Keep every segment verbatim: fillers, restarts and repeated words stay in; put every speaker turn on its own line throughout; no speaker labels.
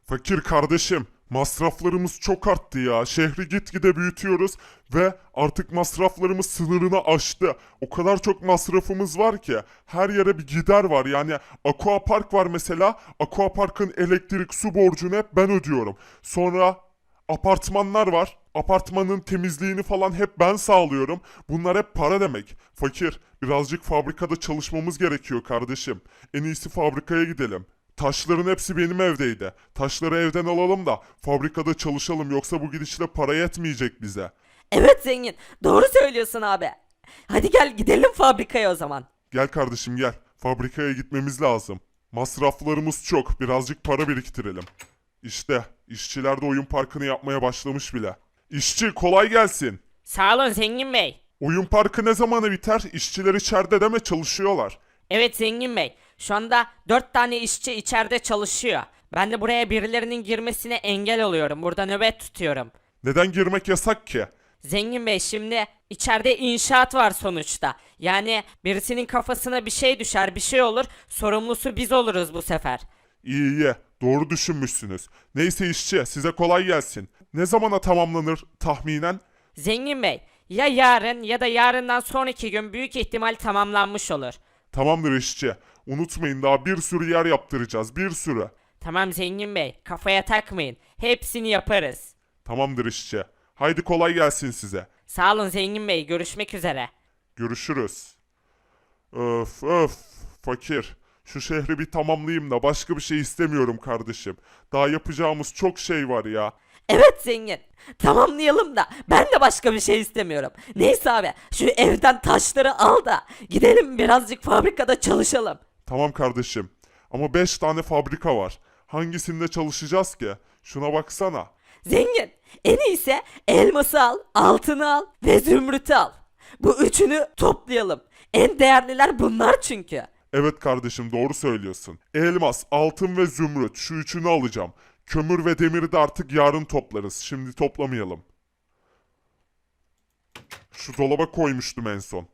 Fakir kardeşim, masraflarımız çok arttı ya. Şehri gitgide büyütüyoruz ve artık masraflarımız sınırını aştı. O kadar çok masrafımız var ki her yere bir gider var. Yani aquapark var mesela. Aquapark'ın elektrik, su borcunu hep ben ödüyorum. Sonra apartmanlar var. Apartmanın temizliğini falan hep ben sağlıyorum. Bunlar hep para demek. Fakir, birazcık fabrikada çalışmamız gerekiyor kardeşim. En iyisi fabrikaya gidelim. Taşların hepsi benim evdeydi. Taşları evden alalım da fabrikada çalışalım, yoksa bu gidişle para yetmeyecek bize.
Evet zengin. Doğru söylüyorsun abi. Hadi gel gidelim fabrikaya o zaman.
Gel kardeşim gel. Fabrikaya gitmemiz lazım. Masraflarımız çok. Birazcık para biriktirelim. İşte işçiler de oyun parkını yapmaya başlamış bile. İşçi kolay gelsin.
Sağ olun Zengin Bey.
Oyun parkı ne zamanı biter? İşçiler içeride deme, çalışıyorlar.
Evet Zengin Bey. Şu anda dört tane işçi içeride çalışıyor. Ben de buraya birilerinin girmesine engel oluyorum. Burada nöbet tutuyorum.
Neden girmek yasak ki?
Zengin Bey şimdi içeride inşaat var sonuçta. Yani birisinin kafasına bir şey düşer, bir şey olur. Sorumlusu biz oluruz bu sefer.
İyi iyi. Doğru düşünmüşsünüz. Neyse işçi, size kolay gelsin. Ne zamana tamamlanır tahminen?
Zengin Bey, ya yarın ya da yarından sonraki gün büyük ihtimal tamamlanmış olur.
Tamamdır işçi. Unutmayın, daha bir sürü yer yaptıracağız. Bir sürü.
Tamam Zengin Bey, kafaya takmayın. Hepsini yaparız.
Tamamdır işçi. Haydi kolay gelsin size.
Sağ olun Zengin Bey, görüşmek üzere.
Görüşürüz. Öf öf. Fakir. Şu şehri bir tamamlayayım da başka bir şey istemiyorum kardeşim. Daha yapacağımız çok şey var ya.
Evet zengin. Tamamlayalım da ben de başka bir şey istemiyorum. Neyse abi şu evden taşları al da gidelim birazcık fabrikada çalışalım.
Tamam kardeşim. Ama beş tane fabrika var. Hangisinde çalışacağız ki? Şuna baksana.
Zengin en iyisi elması al, altını al ve zümrütü al. Bu üçünü toplayalım. En değerliler bunlar çünkü.
Evet kardeşim, doğru söylüyorsun. Elmas, altın ve zümrüt, şu üçünü alacağım. Kömür ve demiri de artık yarın toplarız. Şimdi toplamayalım. Şu dolaba koymuştum en son.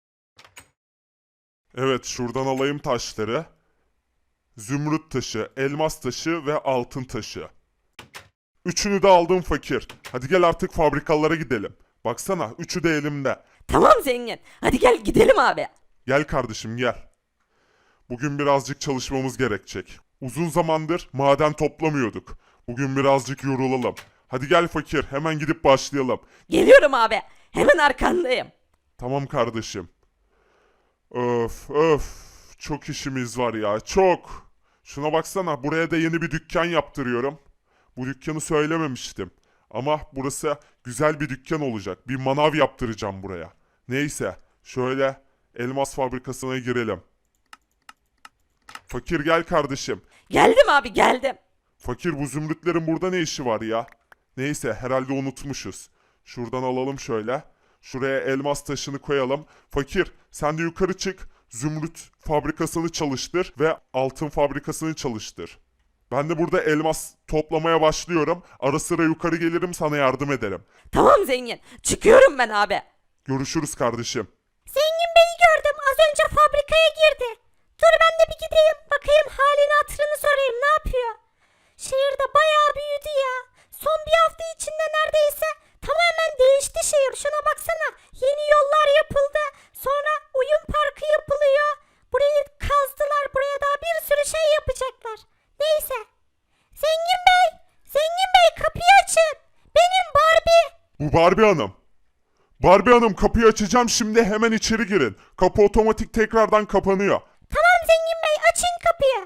Evet, şuradan alayım taşları. Zümrüt taşı, elmas taşı ve altın taşı. Üçünü de aldım fakir. Hadi gel artık fabrikalara gidelim. Baksana, üçü de elimde.
Tamam zengin. Hadi gel gidelim abi.
Gel kardeşim gel. Bugün birazcık çalışmamız gerekecek. Uzun zamandır maden toplamıyorduk. Bugün birazcık yorulalım. Hadi gel fakir, hemen gidip başlayalım.
Geliyorum abi. Hemen arkandayım.
Tamam kardeşim. Öf öf. Çok işimiz var ya, çok. Şuna baksana, buraya da yeni bir dükkan yaptırıyorum. Bu dükkanı söylememiştim. Ama burası güzel bir dükkan olacak. Bir manav yaptıracağım buraya. Neyse, şöyle elmas fabrikasına girelim. Fakir gel kardeşim.
Geldim abi geldim.
Fakir, bu zümrütlerin burada ne işi var ya? Neyse, herhalde unutmuşuz. Şuradan alalım şöyle. Şuraya elmas taşını koyalım. Fakir, sen de yukarı çık. Zümrüt fabrikasını çalıştır ve altın fabrikasını çalıştır. Ben de burada elmas toplamaya başlıyorum. Ara sıra yukarı gelirim, sana yardım ederim.
Tamam zengin. Çıkıyorum ben abi.
Görüşürüz kardeşim.
Zengin Bey'i gördüm. Az önce fabrikaya girdi. Dur ben de bir gideyim. Bakayım halini hatırını sorayım. Ne yapıyor? Şehirde bayağı büyüdü ya. Son bir hafta içinde neredeyse tamamen değişti şehir. Şuna baksana. Yeni yollar yapıldı. Sonra oyun parkı yapılıyor. Burayı kazdılar. Buraya daha bir sürü şey yapacaklar. Neyse. Zengin Bey. Zengin Bey kapıyı açın. Benim Barbie.
Bu Barbie Hanım. Barbie Hanım, kapıyı açacağım şimdi, hemen içeri girin. Kapı otomatik tekrardan kapanıyor.
Tamam Zengin Bey açın kapıyı.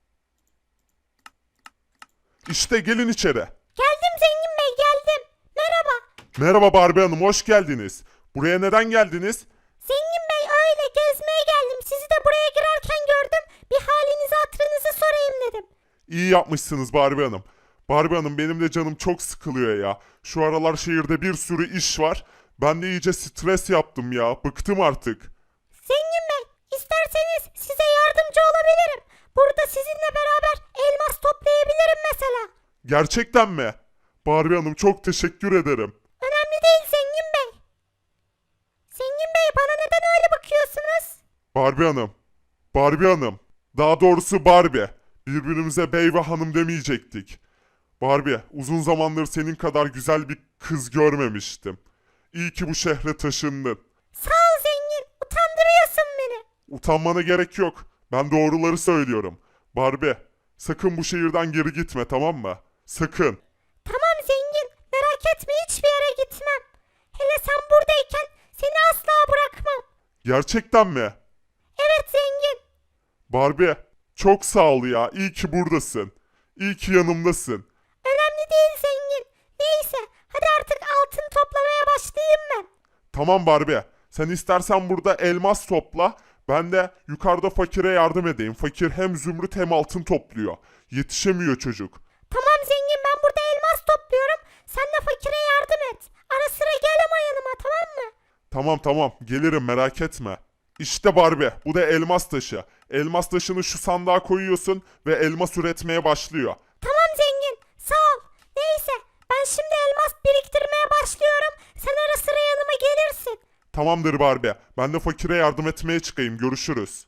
İşte gelin içeri.
Geldim Zengin Bey geldim. Merhaba.
Merhaba Barbie Hanım, hoş geldiniz. Buraya neden geldiniz?
Zengin Bey öyle gezmeye geldim. Sizi de buraya girerken gördüm. Bir halinizi hatırınızı sorayım dedim.
İyi yapmışsınız Barbie Hanım. Barbie Hanım, benim de canım çok sıkılıyor ya. Şu aralar şehirde bir sürü iş var. Ben de iyice stres yaptım ya. Bıktım artık.
Zengin Bey isterseniz size yardımcı olabilirim. Burada sizinle beraber elmas toplayabilirim mesela.
Gerçekten mi? Barbie Hanım, çok teşekkür ederim.
Önemli değil Zengin Bey. Zengin Bey bana neden öyle bakıyorsunuz?
Barbie Hanım. Barbie Hanım. Daha doğrusu Barbie. Birbirimize bey ve hanım demeyecektik. Barbie, uzun zamandır senin kadar güzel bir kız görmemiştim. İyi ki bu şehre taşındın.
Sağ ol zengin. Utandırıyorsun beni.
Utanmana gerek yok. Ben doğruları söylüyorum. Barbie, sakın bu şehirden geri gitme, tamam mı? Sakın.
Tamam zengin. Merak etme, hiçbir yere gitmem. Hele sen buradayken seni asla bırakmam.
Gerçekten mi?
Evet zengin.
Barbie, çok sağ ol ya. İyi ki buradasın. İyi ki yanımdasın.
Önemli değil zengin. Neyse, hadi artık altın toplamaya başlayayım ben.
Tamam Barbie. Sen istersen burada elmas topla. Ben de yukarıda fakire yardım edeyim. Fakir hem zümrüt hem altın topluyor. Yetişemiyor çocuk.
Tamam zengin, ben burada elmas topluyorum. Sen de fakire yardım et. Ara sıra gel ama yanıma, tamam mı?
Tamam tamam gelirim, merak etme. İşte Barbie, bu da elmas taşı. Elmas taşını şu sandığa koyuyorsun ve elmas üretmeye başlıyor.
Tamam zengin, sağ ol. Neyse, ben şimdi elmas biriktirmeye başlıyorum. Sen ara sıra yanıma gelirsin.
Tamamdır Barbie. Ben de fakire yardım etmeye çıkayım. Görüşürüz.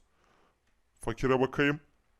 Fakire bakayım.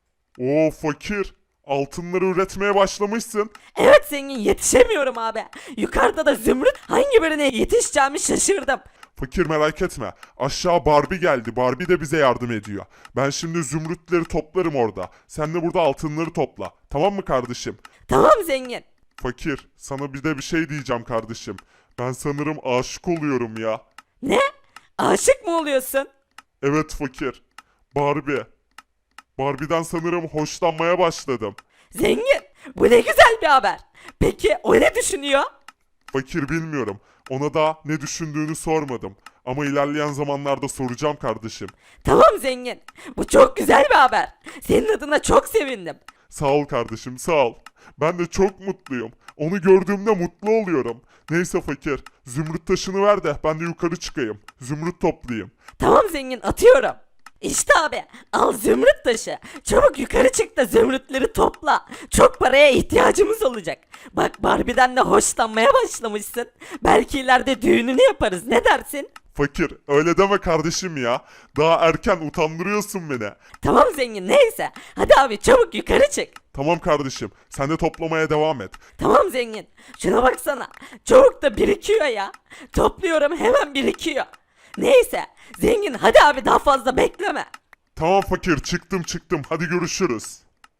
Oo fakir. Altınları üretmeye başlamışsın.
Evet zengin, yetişemiyorum abi. Yukarıda da zümrüt, hangi birine yetişeceğimi şaşırdım.
Fakir merak etme. Aşağı Barbie geldi. Barbie de bize yardım ediyor. Ben şimdi zümrütleri toplarım orada. Sen de burada altınları topla. Tamam mı kardeşim?
Tamam zengin.
Fakir, sana bir de bir şey diyeceğim kardeşim. Ben sanırım aşık oluyorum ya.
Ne? Aşık mı oluyorsun?
Evet fakir. Barbie. Barbie'den sanırım hoşlanmaya başladım.
Zengin, bu ne güzel bir haber. Peki o ne düşünüyor?
Fakir bilmiyorum. Ona da ne düşündüğünü sormadım. Ama ilerleyen zamanlarda soracağım kardeşim.
Tamam zengin, bu çok güzel bir haber. Senin adına çok sevindim.
Sağ ol kardeşim, sağ ol. Ben de çok mutluyum. Onu gördüğümde mutlu oluyorum. Neyse fakir, zümrüt taşını ver de ben de yukarı çıkayım. Zümrüt toplayayım.
Tamam zengin, atıyorum. İşte abi, al zümrüt taşı. Çabuk yukarı çık da zümrütleri topla. Çok paraya ihtiyacımız olacak. Bak Barbie'den de hoşlanmaya başlamışsın. Belki ileride düğününü yaparız, ne dersin?
Fakir, öyle deme kardeşim ya. Daha erken, utandırıyorsun beni.
Tamam zengin, neyse. Hadi abi çabuk yukarı çık.
Tamam kardeşim, sen de toplamaya devam et.
Tamam zengin. Şuna baksana. Çabuk da birikiyor ya. Topluyorum, hemen birikiyor. Neyse. Zengin hadi abi, daha fazla bekleme.
Tamam fakir, çıktım çıktım, hadi görüşürüz.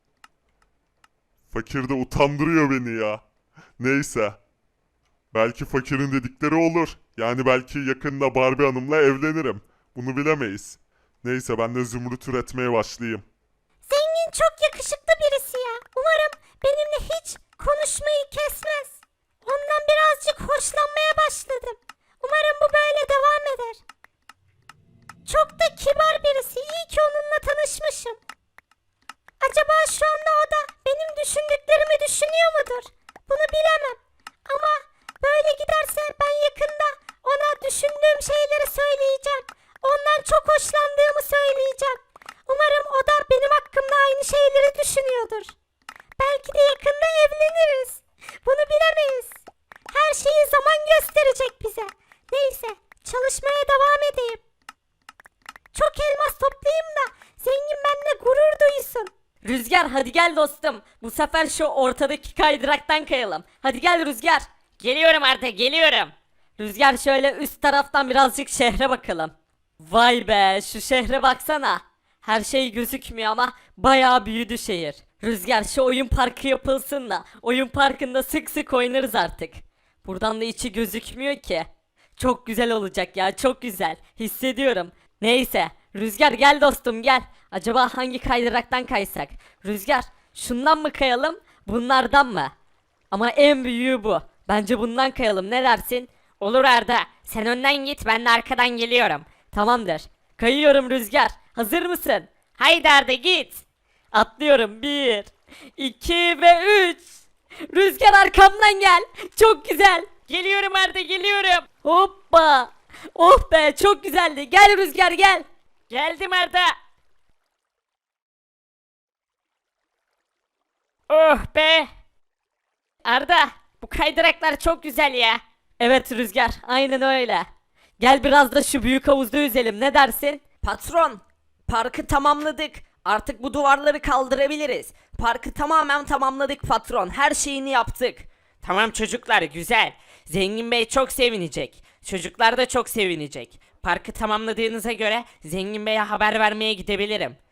Fakir de utandırıyor beni ya. Neyse. Belki fakirin dedikleri olur. Yani belki yakında Barbie Hanım'la evlenirim. Bunu bilemeyiz. Neyse ben de zümrüt üretmeye başlayayım.
Zengin çok yakışıklı birisi ya. Umarım benimle hiç konuşmayı kesmez. Ondan birazcık hoşlanmaya başladım. Umarım bu böyle devam eder. Çok da kibar birisi. İyi ki onunla tanışmışım. Acaba şu anda o da benim düşündüklerimi düşünüyor mudur? Bunu bilemem. Ama böyle giderse ben yakında ona düşündüğüm şeyleri söyleyeceğim. Ondan çok hoşlandığımı söyleyeceğim. Umarım o da benim hakkımda aynı şeyleri düşünüyordur. Belki de yakında evleniriz. Bunu bilemeyiz. Her şeyi zaman gösterecek bize. Neyse, çalışmaya devam edeyim. Çok elmas toplayayım da zengin benimle gurur duysun.
Rüzgar hadi gel dostum. Bu sefer şu ortadaki kaydıraktan kayalım. Hadi gel Rüzgar. Geliyorum artık, geliyorum. Rüzgar şöyle üst taraftan birazcık şehre bakalım. Vay be, şu şehre baksana. Her şey gözükmüyor ama bayağı büyüdü şehir. Rüzgar şu oyun parkı yapılsın da oyun parkında sık sık oynarız artık. Buradan da içi gözükmüyor ki. Çok güzel olacak ya, çok güzel. Hissediyorum. Neyse, Rüzgar gel dostum gel. Acaba hangi kaydıraktan kaysak? Rüzgar, şundan mı kayalım, bunlardan mı? Ama en büyüğü bu. Bence bundan kayalım, ne dersin? Olur Arda. Sen önden git, ben de arkadan geliyorum. Tamamdır. Kayıyorum Rüzgar. Hazır mısın? Haydi Arda git. Atlıyorum. Bir, iki ve üç. Rüzgar arkamdan gel. Çok güzel. Geliyorum Arda, geliyorum. Hoppa. Oh be, çok güzeldi. Gel Rüzgar gel. Geldim Arda. Oh be. Arda, bu kaydıraklar çok güzel ya. Evet Rüzgar, aynen öyle. Gel biraz da şu büyük havuzda yüzelim, ne dersin? Patron, parkı tamamladık Artık bu duvarları kaldırabiliriz. Parkı tamamen tamamladık patron. Her şeyini yaptık. Tamam çocuklar, güzel. Zengin Bey çok sevinecek. Çocuklar da çok sevinecek. Parkı tamamladığınıza göre Zengin Bey'e haber vermeye gidebilirim.